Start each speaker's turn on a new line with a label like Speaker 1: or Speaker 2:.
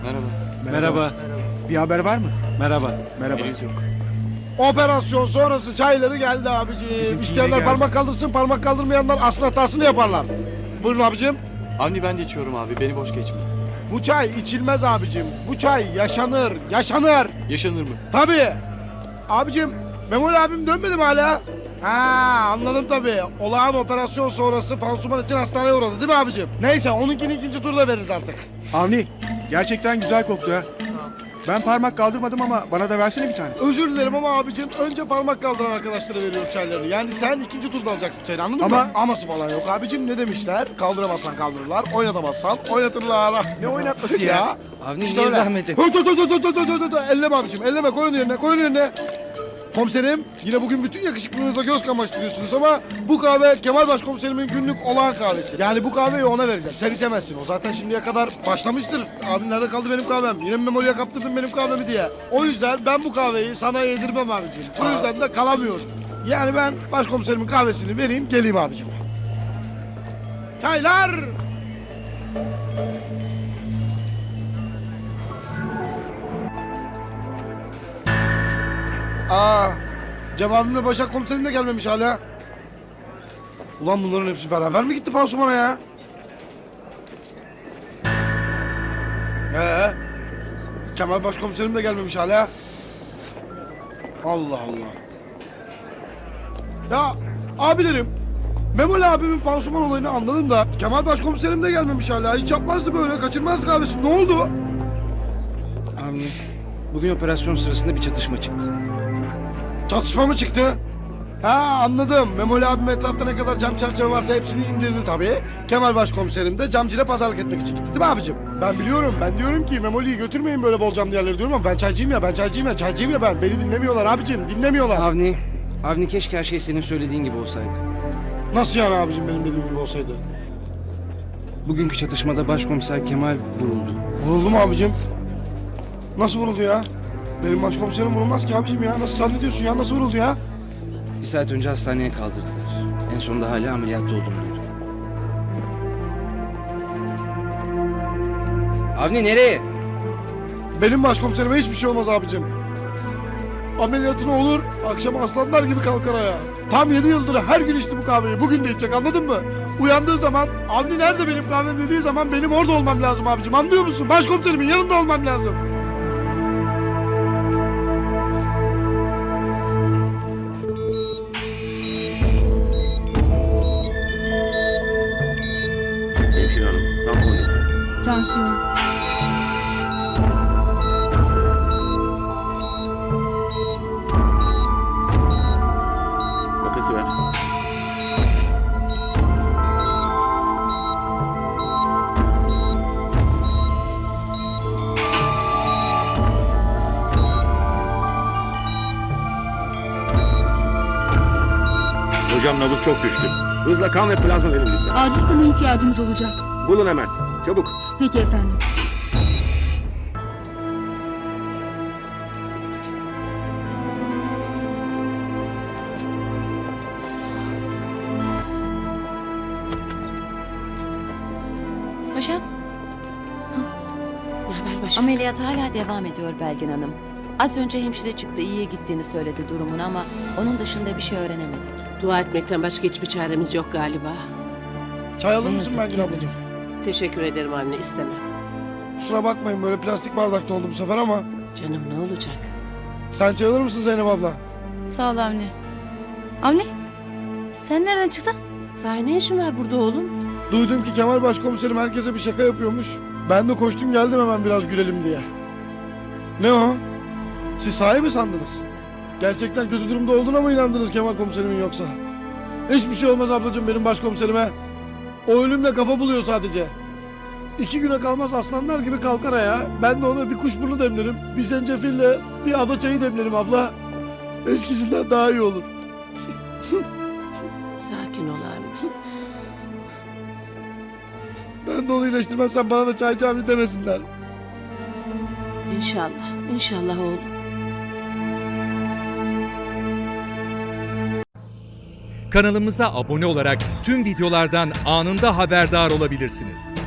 Speaker 1: Merhaba.
Speaker 2: Merhaba.
Speaker 3: Bir haber var mı?
Speaker 2: Merhaba.
Speaker 3: Merhaba.
Speaker 1: Henüz yok.
Speaker 4: Operasyon sonrası çayları geldi abiciğim.
Speaker 3: Bizimki
Speaker 4: İsteyenler
Speaker 3: yine geldi.
Speaker 4: parmak kaldırsın, parmak kaldırmayanlar asıl hatasını yaparlar. Buyurun abicim.
Speaker 1: Avni ben de içiyorum abi. Beni boş geçme.
Speaker 4: Bu çay içilmez abicim. Bu çay yaşanır, yaşanır.
Speaker 1: Yaşanır mı?
Speaker 4: Tabii. Abicim, Memoli abim dönmedi mi hala? Ha, anladım tabii. Olağan operasyon sonrası pansuman için hastaneye uğradı değil mi abicim? Neyse, onunkini ikinci turda veririz artık.
Speaker 3: Avni gerçekten güzel koktu ha. Ben parmak kaldırmadım ama bana da versene bir tane.
Speaker 4: Özür dilerim ama abicim önce parmak kaldıran arkadaşlara veriyorum çaylarını. Yani sen ikinci turda alacaksın çayını, anladın
Speaker 3: Ama-
Speaker 4: mı? Aması falan yok abicim, ne demişler? Kaldıramazsan kaldırırlar, oynatamazsan oynatırlar.
Speaker 3: Ne oynatması ya?
Speaker 2: Avni
Speaker 4: İşte
Speaker 2: niye
Speaker 4: öyle.
Speaker 2: zahmet et?
Speaker 4: Dur. Elleme abicim, elleme, koy onu yerine, koy onu yerine. Komiserim, yine bugün bütün yakışıklılığınızla göz kamaştırıyorsunuz ama bu kahve Kemal Başkomiserimin günlük olağan kahvesi. Yani bu kahveyi ona vereceğim, sen içemezsin. O zaten şimdiye kadar başlamıştır. Abi nerede kaldı benim kahvem? Yine mi Memoli'ye kaptırdın benim kahvemi diye. O yüzden ben bu kahveyi sana yedirmem abicim. O yüzden de kalamıyorum. Yani ben başkomiserimin kahvesini vereyim, geleyim abicim. Çaylar! Aa, Cem abimle Başak komiserim de gelmemiş hala. Ulan bunların hepsi beraber mi gitti pansumana ya? Kemal başkomiserim de gelmemiş hala. Allah Allah. Ya abilerim, Memoli abimin pansuman olayını anladım da Kemal başkomiserim de gelmemiş hala. Hiç yapmazdı böyle, kaçırmazdı kahvesi. Ne oldu?
Speaker 2: Avni, bugün operasyon sırasında bir çatışma çıktı.
Speaker 4: Çatışma mı çıktı? Ha anladım. Memoli abim etrafta ne kadar cam çerçeve varsa hepsini indirdi tabii. Kemal başkomiserim de camcıyla pazarlık etmek için gitti değil mi abicim? Ben biliyorum. Ben diyorum ki Memoli'yi götürmeyin böyle bol camlı yerlere diyorum ama ben çaycıyım ya, çaycıyım ya ben. Beni dinlemiyorlar abicim, dinlemiyorlar.
Speaker 2: Avni keşke her şey senin söylediğin gibi olsaydı.
Speaker 4: Nasıl yani abicim benim dediğim gibi olsaydı?
Speaker 2: Bugünkü çatışmada başkomiser Kemal vuruldu.
Speaker 4: Vuruldu mu abicim? Nasıl vuruldu ya? Benim başkomiserim vurulmaz ki abicim ya. Nasıl zannediyorsun ya? Nasıl vuruldu ya?
Speaker 2: Bir saat önce hastaneye kaldırdılar. En sonunda hala ameliyatta olduğunu duydum. Avni nereye?
Speaker 4: Benim başkomiserime hiçbir şey olmaz abicim. Ameliyatını olur, akşam aslanlar gibi kalkar ayağa. Tam 7 yıldır her gün içti bu kahveyi. Bugün de içecek, anladın mı? Uyandığı zaman, Avni nerede benim kahvem dediği zaman benim orada olmam lazım abicim. Anlıyor musun? Başkomiserimin yanında olmam lazım.
Speaker 5: Hemşire hanım, tampon lütfen.
Speaker 6: Tansiyon.
Speaker 5: Makası ver. Hocam nabız çok düştü. Hızla kan ve plazma verin lütfen.
Speaker 6: Acil kana ihtiyacımız olacak.
Speaker 5: Bulun hemen. Çabuk.
Speaker 6: Peki efendim.
Speaker 7: Başak. Ne haber Başak?
Speaker 8: Ameliyat hala devam ediyor Belgin Hanım. Az önce hemşire çıktı, iyiye gittiğini söyledi durumun ama onun dışında bir şey öğrenemedik.
Speaker 7: Dua etmekten başka hiçbir çaremiz yok galiba.
Speaker 4: Çay alır
Speaker 8: Ne
Speaker 4: mısın
Speaker 8: yazık
Speaker 4: Belgin
Speaker 8: ki.
Speaker 4: ablacığım?
Speaker 7: Teşekkür ederim anne, istemem.
Speaker 4: Kusura bakmayın böyle plastik bardakta oldu bu sefer ama.
Speaker 7: Canım ne olacak?
Speaker 4: Sen çay alır mısın Zeynep abla?
Speaker 9: Sağ ol Avni. Avni, sen nereden çıktın?
Speaker 7: Sahi ne işin var burada oğlum?
Speaker 4: Duydum ki Kemal başkomiserim herkese bir şaka yapıyormuş. Ben de koştum geldim hemen biraz gülelim diye. Ne o? Siz sahi mi sandınız? Gerçekten kötü durumda olduğuna mı inandınız Kemal komiserimin yoksa? Hiçbir şey olmaz ablacığım benim başkomiserime. O ölümle kafa buluyor sadece. 2 güne kalmaz aslanlar gibi kalkar ayağa. Ben de ona bir kuşburnu demlerim, bir zencefille bir ada çayı demlerim abla. Eskisinden daha iyi olur.
Speaker 7: Sakin ol abi.
Speaker 4: Ben de onu iyileştirmezsem bana da çaycı abi demesinler.
Speaker 7: İnşallah, inşallah oğlum.
Speaker 10: Kanalımıza abone olarak tüm videolardan anında haberdar olabilirsiniz.